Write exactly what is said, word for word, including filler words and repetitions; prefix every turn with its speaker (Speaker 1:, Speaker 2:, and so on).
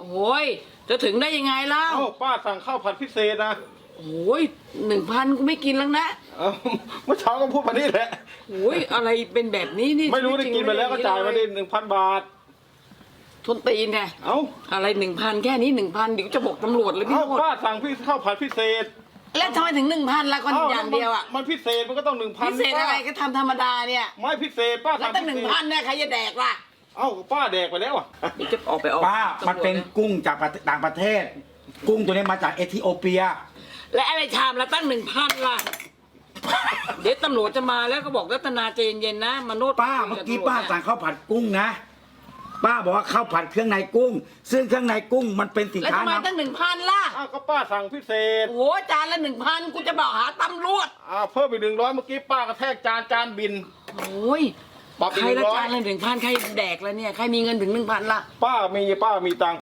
Speaker 1: โอ้ยจะถึงได้ยังไงเล่า
Speaker 2: เอ้าป้าสั่งข้าวผัดพิเศษนะ
Speaker 1: โอ้ยหนึ่งพันกูไม่กินแล้วนะ
Speaker 2: เอ้าเมื่อเช้าก็พูดมานี่แหละ
Speaker 1: โอ้ยอะไรเป็นแบบนี้นี่
Speaker 2: ไม่รู้ได้กินไปแล้วก็จ่ายมาดิหนึ่งพันบาท
Speaker 1: ทนตีนไง
Speaker 2: เอ้า
Speaker 1: อะไรหนึ่งพันแค่นี้หนึ่งพันเดี๋ยวจะบอกตำรวจเลยพี่
Speaker 2: เอ้า
Speaker 1: โนด
Speaker 2: ป้าสั่งพี่ข้าวผัดพิเศษ
Speaker 1: แล้วทำไมถึงหนึ่งพันละก็
Speaker 2: อ้
Speaker 1: อย่างเดียวอ่ะ
Speaker 2: มันพิเศษมันก็ต้องหนึ่งพัน
Speaker 1: พิเศษอะไรก็ทำธรรมดาเนี่ย
Speaker 2: ไม่พิเศษป้า
Speaker 1: แล้ว
Speaker 2: สั่ง
Speaker 1: ตั้งหนึ่งพันเนี่ยใครจะแดกล่ะ
Speaker 2: เอ้าป้าแดกไปแล้วอ่ะ
Speaker 1: เดี๋ยวจะออกไปออก
Speaker 3: ป้ามันเป็นกุ้งจากประเทศต่างประเทศ กุ้งตัวนี้มาจากเอธิโอเปีย
Speaker 1: และอะไรชามละตั้งหนึ่งพันล่ะ เดี๋ยวตำรวจจะมาแล้วก็บอกรัตนาใจเย็นๆนะมโนด
Speaker 3: ป้าเมื่อกี้ป้าสั่งข้าวผัดกุ้งนะ ป้าบอกว่าข้าวผัดเครื่องในกุ้ง ซึ่งเครื่องในกุ้งมันเป็นสิน
Speaker 1: แล้ว
Speaker 3: ค้า
Speaker 1: ทำไม
Speaker 3: นำ
Speaker 1: ตั้งหนึ่งพันล่ะ
Speaker 2: อ้าวก็ป้าสั่งพิเศษ
Speaker 1: โอ้จานละหนึ่งพันกูจะบอกหาตำรวจ
Speaker 2: อ้าวเพิ่มไปหนึ่งร้อยเมื่อกี้ป้ากระแทกจานจานบิน
Speaker 1: โอ้ย
Speaker 2: ปรับอีก
Speaker 1: ใครละ
Speaker 2: หนึ่งร้อย
Speaker 1: จานละหนึ่งพันใครแดกแล้วเนี่ยใครมีเงินถึงหนึ่งพันล่ะ
Speaker 2: ป้ามีป้ามีตังค์